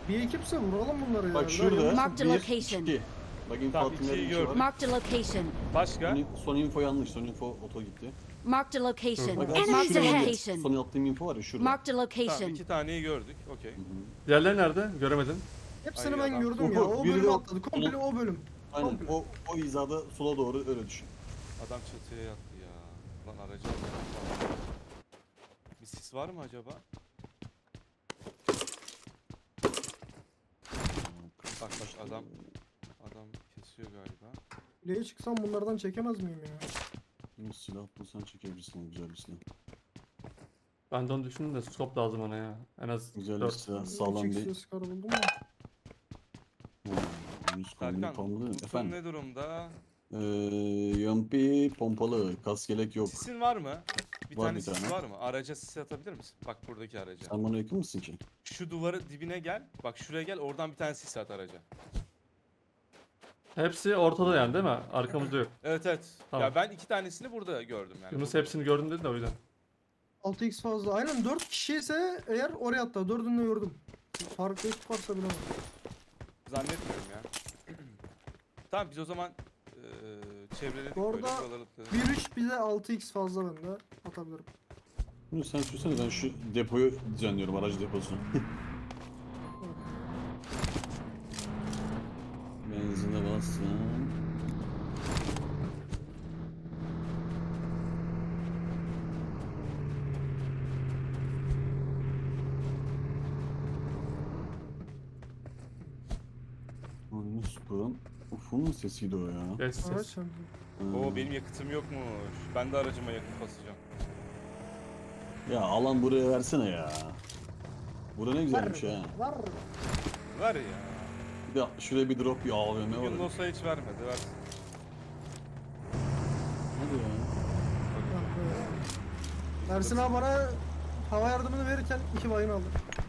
Bir ekipse vuralım bunları ya. Bak şurada Marked a 1, location. 2. Bak info Tamam, attığım ikiyi yerde 2 var. gördüm. Marked a location. Başka? Son info yanlış. Son info oto gitti. Marked a location. Bak Marked aslında a şurada location. son attığım info var ya şurada. Marked a Tamam, location. 2 taneyi gördük. Okey. Diğerleri nerede? Göremedim. Hepsini Ay ben adam. gördüm ya. O Biri de bölüm o- atladı. Komple o bölüm. Aynen Komple. o hizada sola doğru öyle düşün. Adam çatıya yattı ya. Lan aracı alacağım. Bir sis var mı acaba? Bak adam kesiyor galiba. Kuleye çıksam bunlardan çekemez miyim ya? Bir silah bulsan çekebilirsin güzel bir silah. Ben de onu düşündüm de scope lazım ona ya. En az Güzel bir 4. silah sağlam Çek bir. ses karı buldum da. Yüz kolunu Serkan, tamamladın. Utun Efendim. ne durumda? Yampi pompalı kas yelek yok. Sisin var mı? Bir Var tane bir sis tane. var mı? Araca sis atabilir misin? Bak buradaki araca. Sen bana yakın mısın ki? Şu duvarı dibine gel. Bak şuraya gel. Oradan bir tane sis at araca. Hepsi ortada yani değil mi? Arkamızda yok. Evet evet. Tamam. Ya ben 2 tanesini burada gördüm yani. Yunus hepsini gördün dedi de o yüzden. 6x fazla. Aynen 4 kişi ise eğer oraya atla. 4'ünü de gördüm. Farklı ekip varsa bilemem. Zannetmiyorum ya. Tamam biz o zaman çevreledik Bu böyle arada buraları. 1-3 bir de 6x fazla bende. Atabilirim. Şimdi sen sürsene ben şu depoyu düzenliyorum aracı deposunu. Benzine bassın. Yunus'un Ufu'nun sesiydi o ya. Geç Evet ses. sen. Oo benim yakıtım yokmuş. Ben de aracıma yakıt basacağım. Ya alan buraya versene ya. Bura ne güzelmiş ha. Var. Ver ya. Bir de şuraya bir drop bir AVM var. Bugün olsa hiç vermedi. Versin. Hadi ya. Ersin abi bana hava yardımını verirken 2 bayın aldı.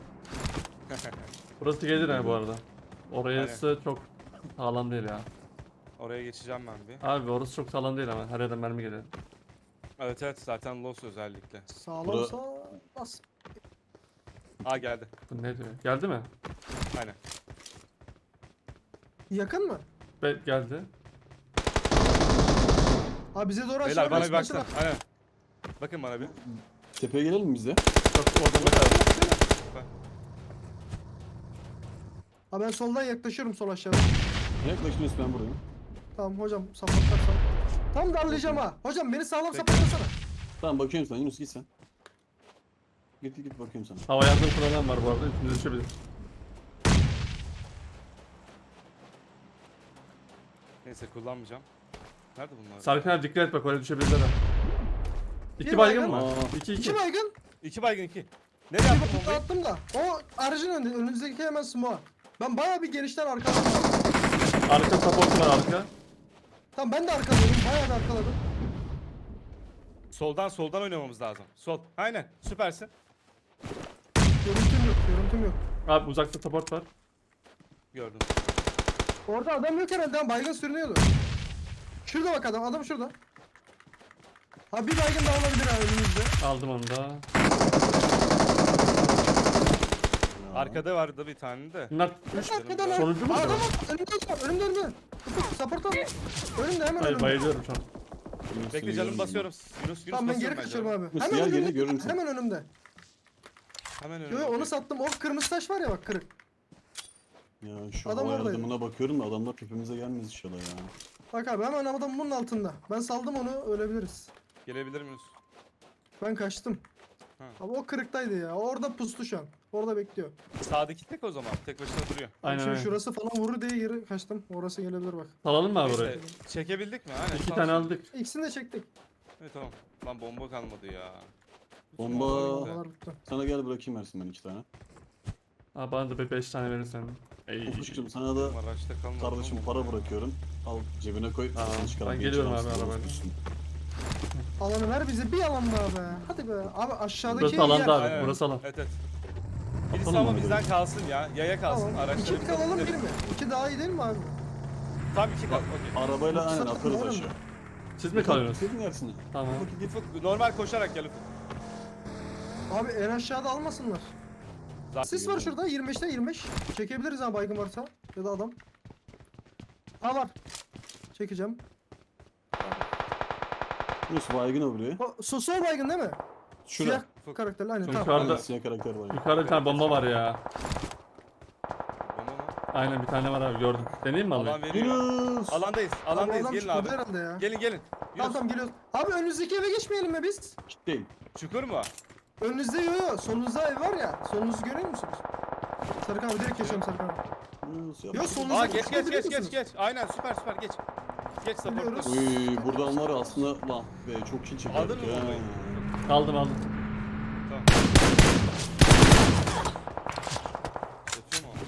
Burası gelir ha bu arada. Orası çok sağlam değil ya. Oraya geçeceğim ben bir. Abi orası çok sağlam değil ama her yerden mermi geliyor. Evet evet zaten Lost özellikle. Sağlamsa bas. Aa geldi. Bu ne diyor? Geldi mi? Aynen. Yakın mı? Geldi. Abi bize doğru Beyler aşağı bana bir başla. baksana. Aynen. Bakın bana bir. Tepeye gelelim mi biz de? Çok orada da kaldı. Abi ben soldan yaklaşıyorum sol aşağıda. Yaklaşıyoruz ben buradayım. Tamam hocam sapatlarsan. Tam darlayacağım ha. Hocam beni sağlam sapatlasana. Tamam bakıyorum sana Yunus git sen. Git bakıyorum sana. Hava yardım kullanan var bu arada. Üstünüze düşebilir. Neyse kullanmayacağım. Nerede bunlar? Serkan abi dikkat et bak oraya düşebilirler ha. Bir İki baygın baygın. mı? Aa. 2 2 2. baygın. 2 baygın 2. Nereye Bir attın bakıp bombayı? attım da. O aracın önünde. Önünüzdeki hemen smoke'a. Ben bayağı bir genişten arkaladım. Arka support var arka. Tamam ben de arkaladım. Bayağı da arkaladım. Soldan oynamamız lazım. Sol. Aynen. Süpersin. Görüntüm yok. Görüntüm yok. Abi uzakta support var. Gördüm. Orada adam yok herhalde. Ama baygın sürünüyordu. Şurada bak adam. Adam şurada. Ha bir baygın daha olabilir ha önümüzde. Aldım onu da. Arkada vardı bir tane de. Bunlar Arkadan ha. Sonuncu mu Aa, acaba? adam var. Önümde. Support al. Önümde hemen Hayır önümde. bayılıyorum şu an. Yunus'u Bekle canım görüyorum basıyorum. Yunus Tamam ben geri basıyorum kaçıyorum canım. abi. Yunus, Hemen gel geri, önümde. görürüm seni. Hemen önümde. Hemen Yo önüme. yo onu sattım. O kırmızı taş var ya bak kırık. Ya şu Adam hava oradaydı. yardımına bakıyorum da adamlar tepemize gelmez inşallah ya. Bak abi hemen adam bunun altında. Ben saldım onu ölebiliriz. Gelebilir miyiz? Ben kaçtım. Ha. Abi o kırıktaydı ya. Orada pustu şu an. Orada bekliyor. Sağdaki tek o zaman. Tek başına duruyor. Aynen Şimdi öyle. şurası falan vurur diye geri kaçtım. Orası gelebilir bak. Salalım mı abi orayı? Neyse, çekebildik mi? Aynen. 2 sağ tane olsun. aldık. İkisini de çektik. Evet tamam. Lan bomba kalmadı ya. Bomba. Oralar bitti. Sana gel bırakayım versin ben 2 tane. Abi bana da bir 5 tane verirsen. Ey. Ufuş'cum sana da Araçta kalmadı. kardeşim ama. para bırakıyorum. Al cebine koy. Tamam, sesini çıkar, ben bir geliyorum içeri abi alsın, arabayla. olsun. Alanı ver bize bir alan daha be. Hadi be. Abi aşağıdaki Burası alanda yer. abi. Aynen. Burası alan. Evet evet. Birisi Atalım ama onu bizden böyle. kalsın ya. Yaya kalsın. Tamam. Araçları İki alalım bir gidelim. mi? İki daha iyi değil mi abi? Tam 2 kal. Okey. Arabayla aynen Yoksa atarız var mı? aşağı. Siz mi kalıyorsunuz? Gidin dersine. Tamam. Ufuk normal koşarak gel Ufuk. Abi en aşağıda almasınlar. Sis var şurada 25'te 25. Çekebiliriz ha baygın varsa. Ya da adam. Ha var. Çekeceğim. Yunus baygın o buraya. Sol baygın değil mi? Şura. Siyah karakterli aynen. Çok Tamam. Yukarıda- Aynen, siyah karakter var. Yukarıda bir tane bomba var ya. Bomba mı? Aynen bir tane var abi gördüm. Deneyeyim mi Alan abi? veriyor. Yunus. Alandayız. Alandayız. Adam Gelin çıkmadı abi. herhalde ya. Gelin gelin. Tamam Yunus. tamam geliyoruz. Abi önünüzdeki eve geçmeyelim mi biz? Kitleyim. Çukur mu? Önünüzde yo. Solunuzda ev var ya. Solunuzu görüyor musunuz? Sarık abi direkt geçiyorum Sarık abi. Yunus Yo yapma. solunuza Aa geç geç geç musunuz? geç. Aynen süper süper geç. Geç Biliyoruz. supportla. Uy buradan var ya aslında lan be çok kill çekerdik Aldın mı ya. bombayı? Aldım aldım. Tamam. Yatıyor mu?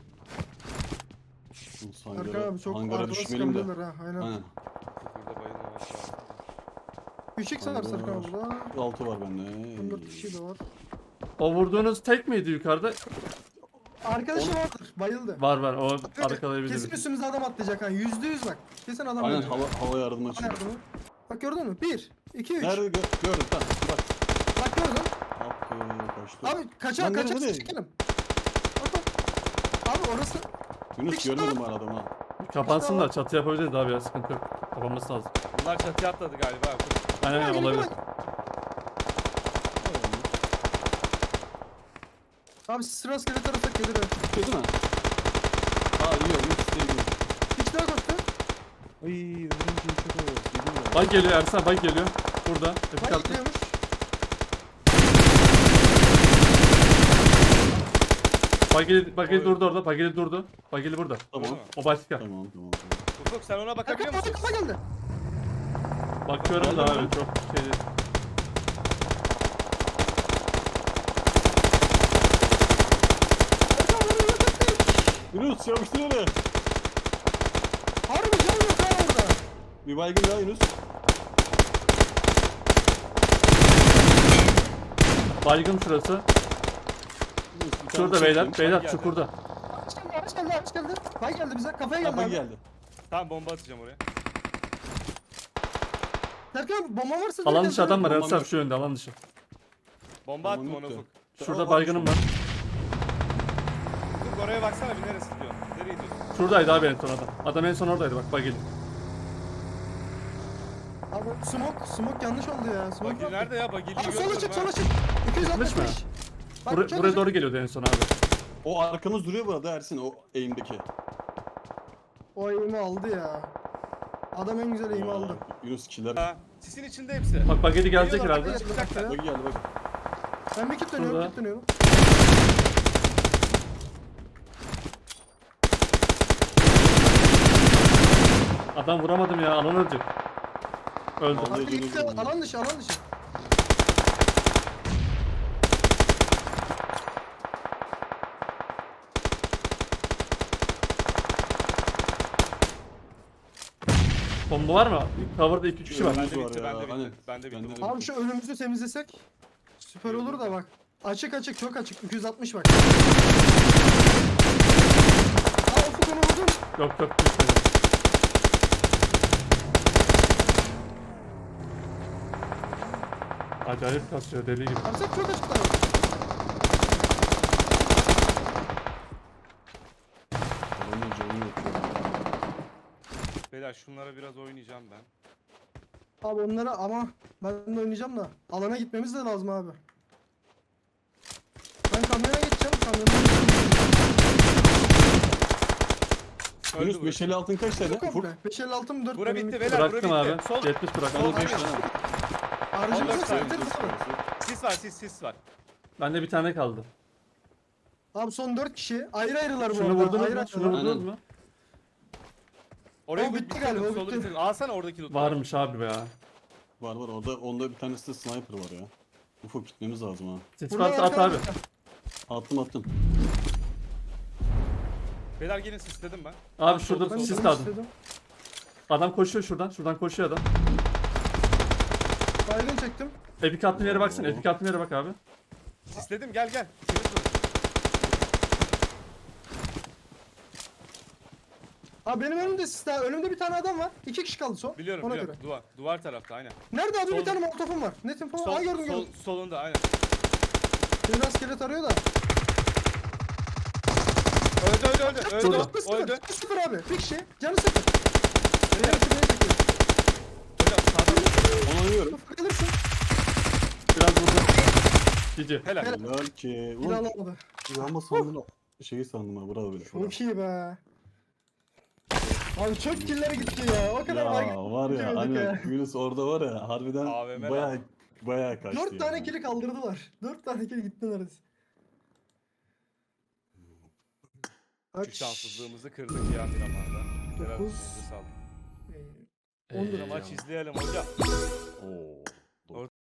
Yunus Sarık hangara, abi çok hangara arkada düşmeyelim de. sıkabilirler ha. Aynen. Aynen. Burada bayılma var şu an. 3x var Sarık abi burada. 6 var bende. 14 kişi de var. O vurduğunuz tek miydi yukarıda? Arkadaşı vardır. Bayıldı. Var var o Kesin arkalayabiliriz. üstümüze adam atlayacak ha. %100 bak. Kesin adam Aynen atlayacak. hava yardımı Bana açıyor. yardımı. Bak gördün mü? 1, 2, 3. Nerede gördüm tamam bak. Bak gördün. Kaçtı. Abi kaçak Lan kaçak nerede? çekelim. Bak bak. Abi orası. Yunus görmedim ben adamı ha. Kapansın da çatı yapabiliriz abi ya sıkıntı yok. Kapanması lazım. Bunlar çatıya atladı galiba. Aynen Gel, aynen gel, olabilir. gel. Abi sıra skelet arasak gelir ha. Değil mi? Aa iyi Yunus değil mi? Hiç daha koştu. Ay ömrüm çok oldu. Bak geliyor Ersan bak geliyor. Burada. Bak Epik attı. gidiyormuş. Bageli durdu orada. Bageli durdu. Bageli burada. Tamam. O başka. Tamam. Ufuk sen ona bakabiliyor Erkan musun? kafa geldi. Bakıyorum da Geldim abi çok şey değil. Erkan bunu yok ettik. Yunus yapıştır öyle. Harbi can yok ha orada. Bir baygın daha Yunus. Baygın şurası. Yunus, bir tane Şurada çektim. beyler. Beyler geldi. çukurda. Araç geldi araç geldi. Bay geldi bize kafaya geldi Kafa abi. geldi. Tamam bomba atacağım oraya. Erkan bomba varsa Alan direkt dışı adam var Bombam Ersan yok. şu yönde alan dışı. Bomba Tamam, attım yok ona da. Ufuk. Şurada Aa, baygınım var. Ufuk oraya baksana bir neresi gidiyor? Nereye gidiyorsun? Şuradaydı abi en son adam. Adam en son oradaydı bak bageli. Abi smoke yanlış oldu ya. Smoke Bagil yok. nerede ya? Bagil'i Abi sola görmüyorum çık ha. sola çık. 265. mi? Bak, Buraya, çok buraya açık. doğru geliyordu en son abi. O arkamız duruyor burada Ersin o eğimdeki. O eğimi aldı ya. Adam en güzel eğimi Aa, aldı. Yunus killer. Ha, sisin içinde hepsi. Bak bageli gelecek Geliyorlar, herhalde. bageli çıkacaklar. Bak geldi bak. Ben bir kit dönüyorum, Şurada. kit dönüyorum. Adam vuramadım ya alan ölecek. Öldü. Vallahi Bak gitti, dönüyorum. alan dışı, alan dışı. Bomba var mı? Cover'da 2-3 kişi var. Evet. Bende var bitti, ya, bende bitti. aynen. Bende bitti. Bende de. bomba. Abi şu önümüzü temizlesek süper olur da bak. Açık açık, çok açık. 260 bak. Aa Ufuk onu vurdun. Yok yok düşmedi. Acayip kasıyor deli gibi. Arsak çok açıklar. Adamın canı yok ya. Beyler şunlara biraz oynayacağım ben. Abi onlara ama ben de oynayacağım da alana gitmemiz de lazım abi. Ben kamyona geçeceğim, kamyona Öldü Yunus burası. 550 altın kaç tane? Çok Ufuk. komple. 556 mı 4 Bura bitti beyler, bura Bıraktım bitti. abi. Sol. 70 bıraktım. Ben de 5 Aynen. tane. Harcımız Allah yok kahretsin. zaten. Sis var, sis var. Bende bir tane kaldı. Abi son 4 kişi ayrı ayrılar bu Şunu arada. vurdunuz ayrı mu? ayrılar. Şunu vurdunuz Aynen. mu? Orayı Aa, bitti bitti galiba, solu bitti. bitirelim. Alsana oradaki loot'u. Varmış abi ya. Var orada onda bir tanesi de sniper var ya. Ufuk gitmemiz lazım ha. Ses Burada varsa at abi. arkadaşlar. Attım. Beyler gelin sistedim ben. Abi şurada Ben sis de kaldı. istedim. Adam koşuyor şuradan. Şuradan koşuyor adam. Baygın çektim. Epik attığın yere baksana. Epik attığın yere bak abi. Sistedim gel. İkimiz vurun. Abi benim önümde sis daha. Önümde bir tane adam var. 2 kişi kaldı son. Biliyorum Ona biliyorum. göre. Duvar tarafta aynen. Nerede abi Sol- bir tane molotofum var. Net info. Aa gördüm gördüm. Solunda aynen. Biraz skelet arıyor da. Öldü. Burada. Öldü. Canı sıfır abi. Bir kişi. Canı sıfır. Beyler, Yarısı beni çekiyor. hocam sağdan. Onu alıyorum. Sıfır kalırsın. Biraz vurdum. Cici. Helal. Helal ki. Yine Ulan alamadı. ama sandım şeyi sandım ha. Bravo bile. Çok iyi be. Abi çok killere gitti ya. O kadar Ya baygın. var ya yemedik hani ya. Yunus orada var ya harbiden AVM bayağı kaçtı 4 tane ya. kili kaldırdılar. 4 tane kill gitti neredeyse. Şu şanssızlığımızı kırdık ya Miramar'da. Helal Dokuz. olsun, elinize sağlık. 10 lira Maç izleyelim hocam. Oo.